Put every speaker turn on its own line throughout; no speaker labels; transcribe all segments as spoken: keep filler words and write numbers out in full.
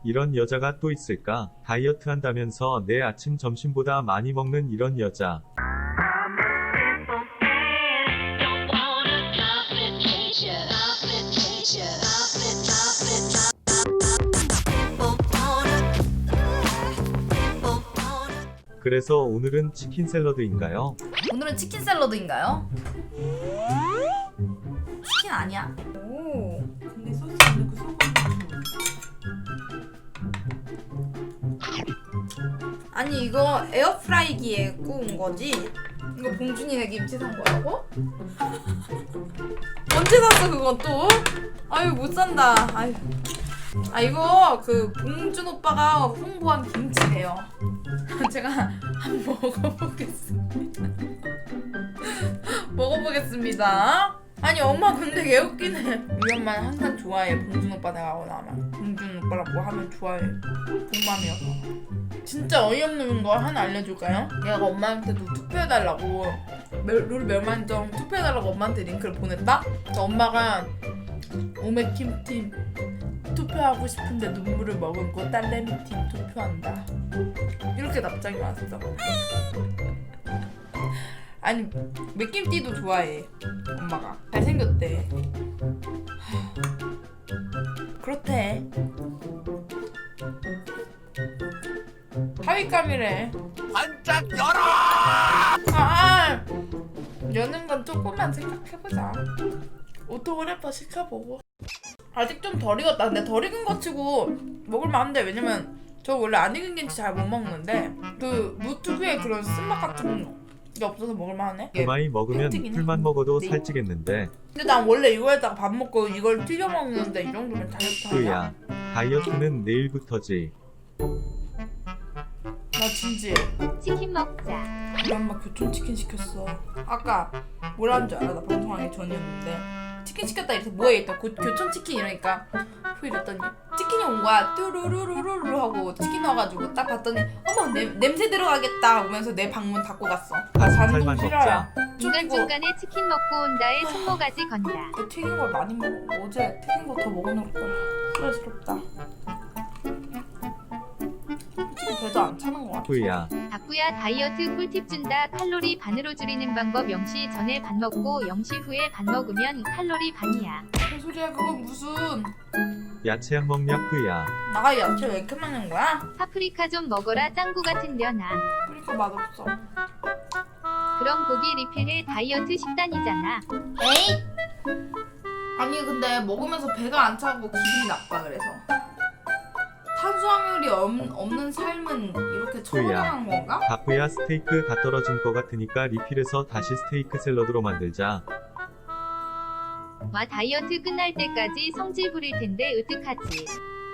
이런 여자가 또 있을까? 다이어트 한다면서 내 아침 점심보다 많이 먹는 이런 여자. 그래서 오늘은 치킨 샐러드인가요?
오늘은 치킨 샐러드인가요? 치킨 아니야. 오.
근데 소스 넣고 소금
아니 이거 에어프라이기에 구운 거지? 이거 봉준이네 김치 산 거라고? 언제 샀어 그건 또? 아유 못 산다. 아유. 아 이거 그 봉준 오빠가 홍보한 김치래요. 제가 한번 먹어보겠습니다. 먹어보겠습니다. 아니 엄마 근데 개 웃기네. 우리 엄마는 항상 좋아해. 봉준 오빠 내가 나면 봉준 오빠랑 뭐 하면 좋아해. 복맘이어서. 진짜 어이없는 거 하나 알려줄까요? 얘가 엄마한테도 투표해달라고 룰 멸만점 투표해달라고 엄마한테 링크를 보냈다? 그래서 엄마가 오메킴팀 투표하고 싶은데 눈물을 머금고 딸내미팀 투표한다 이렇게 답장이 왔어. 아니 맥김띠도 좋아해 엄마가. 잘생겼대. 그렇대. 하위감이래.
반짝 열어!
아, 여는 건 조금만 생각해보자. 오토그래퍼 시켜보고. 아직 좀 덜 익었다. 근데 덜 익은 거 치고 먹을만한데. 왜냐면 저 원래 안 익은 김치 잘 못 먹는데 그 무특유의 그런 쓴맛 같은 게 없어서 먹을만하네.
그 많이 먹으면 풀만 먹어도 살찌겠는데.
근데 난 원래 이거에다가 밥 먹고 이걸 튀겨 먹는데 이 정도면 다이어트 하냐?
그야 다이어트는 내일부터지.
나 진지해.
치킨 먹자.
우리 엄마 교촌치킨 시켰어. 아까 뭐라는 줄 알아? 나 방송하기 전이었는데 치킨 시켰다 이래서 뭐해? 일단 교촌치킨 이러니까 후 이랬더니 치킨이 온 거야. 뚜루루루루루 하고 치킨 와가지고 딱 봤더니 어머 냄, 냄새 들어가겠다 하면서 내 방문 닫고 갔어. 나
살만
반동 실화야.
중간중간에 치킨 먹고 온다에 손모가지 건다.
내 튀긴 걸 많이 먹어. 어제 튀긴 거 더 먹어놓을걸. 후회스럽다. 솔직히 배도 안 차는 거 같아.
그야
박구야 다이어트 꿀팁 준다. 칼로리 반으로 줄이는 방법. 영 시 전에 반 먹고 영 시 후에 반 먹으면 칼로리 반이야.
무슨 소리야 그건 무슨.
야채 안 먹냐 그야.
나가 야채 왜 이렇게 많은 거야?
파프리카 좀 먹어라. 짱구 같은 년아.
그러니까 맛없어.
그럼 고기 리필해. 다이어트 식단이잖아.
에이? 아니 근데 먹으면서 배가 안 차고 기분이 나빠. 그래서 탄수화물이 없, 없는 삶은 이렇게 처분한 건가?
바쁘야 스테이크 다 떨어진 거 같으니까 리필해서 다시 스테이크 샐러드로 만들자.
와 다이어트 끝날 때까지 성질 부릴 텐데 으뜩하지.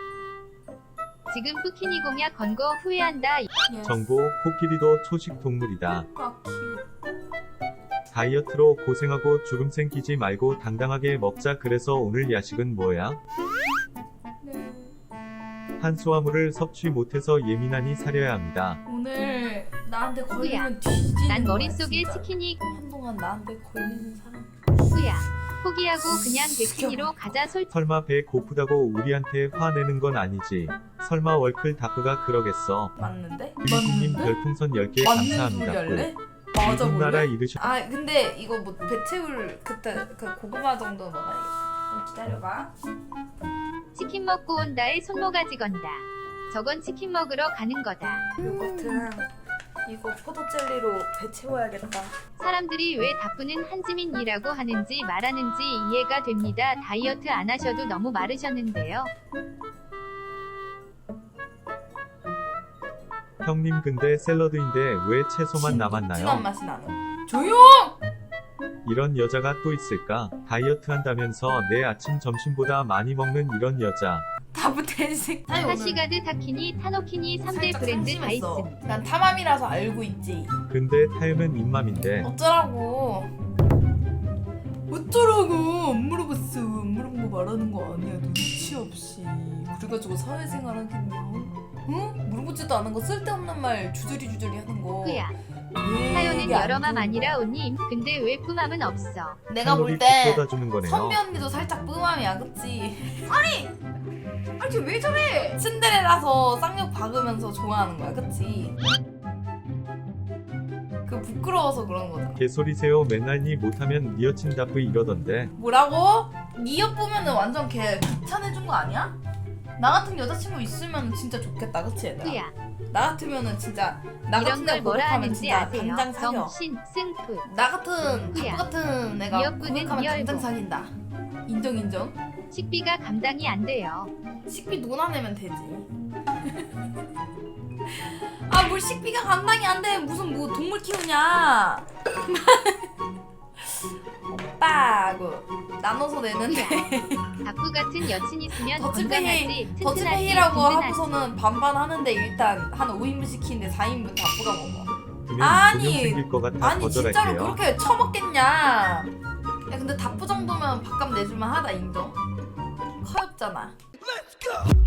지금 뿌키니 공약 건 거 후회한다.
예스.
정보 코끼리도 초식 동물이다.
아 귀여워.
다이어트로 고생하고 주름 생기지 말고 당당하게 먹자. 그래서 오늘 야식은 뭐야?
네.
탄수화물을 섭취 못해서 예민하니 사려야 합니다.
오늘 나한테 걸리면 뒤지는
난
거야,
머릿속에
진짜.
치킨이
한동안 나한테 걸리는 사람.
후야. 포기하고 그냥 백신이로 가자. 솔
설마 배 고프다고 우리한테 화내는 건 아니지? 설마 월클 다크가 그러겠어?
맞는데?
유리님
맞는데?
별풍선 열 개
맞는 소리
감사합니다.
할래? 맞아
나라
볼래?
이르셔.
아 근데 이거 뭐 배채울 그때 그 고구마 정도 먹어야겠다. 좀 기다려봐.
치킨 먹고 온다에 손모가지 건다. 저건 치킨 먹으러 가는 거다.
요거트랑 이거 포도 젤리로 배 채워야겠다.
사람들이 왜 다프는 한지민이라고 하는지 말하는지 이해가 됩니다. 다이어트 안 하셔도 너무 마르셨는데요.
형님 근데 샐러드인데 왜 채소만 남았나요?
진한 맛이 나는. 조용!
이런 여자가 또 있을까? 다이어트 한다면서 내 아침 점심보다 많이 먹는 이런 여자.
다부 텐식.
타시가드 타키니 타노키니 삼 대 브랜드 다 있음.
난 탐함이라서 알고 있지.
근데 타요는 입맘인데.
어쩌라고. 어쩌라고. 안 물어봤어. 안 물어본 거 말하는 거 아니야. 눈치 없이. 그래가지고 사회생활 하겠냐. 응? 물어보지도 않은 거 쓸데없는 말 주저리 주저리 하는 거.
후야.
왜
타요는
이게 안
여러 맘
좋은
아니라
거야?
온님. 근데 왜 뿜함은 없어?
내가 볼
칼로리
때
쏟아 주는 거네요.
선비 언니도 살짝 뿜함이야, 그치? 아니! 아니 왜 저래? 츤데레라 잘라서 쌍욕 박으면서 좋아하는 거야, 그치? 그 부끄러워서 그런 거잖아.
개소리세요. 맨날 니 못하면 니 여친 답브 이러던데.
뭐라고? 니 옆보면은 완전 걔 극찬해준 거 아니야? 나 같은 여자친구 있으면 진짜 좋겠다, 그치 얘들아?
후야.
나 같으면 진짜 나
이런
같은
걸
애
뭐라
고백하면
하는지
진짜
아세요?
당장 사겨.
정신 승프.
나 같은
후야.
답 같은 애가
미역국은
고백하면 당장
미열고.
사귄다. 인정 인정.
식비가 감당이 안 돼요.
식비 논아내면 되지. 아 뭘 식비가 감당이 안 돼. 무슨 뭐 동물 키우냐. 오빠 그 나눠서 내는데
박부 같은 여친 있으면
더치페이
건강하지.
더치페이라고
든든하지.
하고서는 반반 하는데 일단 한 오 인분 시키는데 사 인분 다뿌가 먹어.
그면
아니,
분명 생길 것 같아.
아니 진짜로
거절할게요.
그렇게 처먹겠냐. 야 근데 다뿌 정도면 밥값 내줄만 하다 인정. 커엽잖아.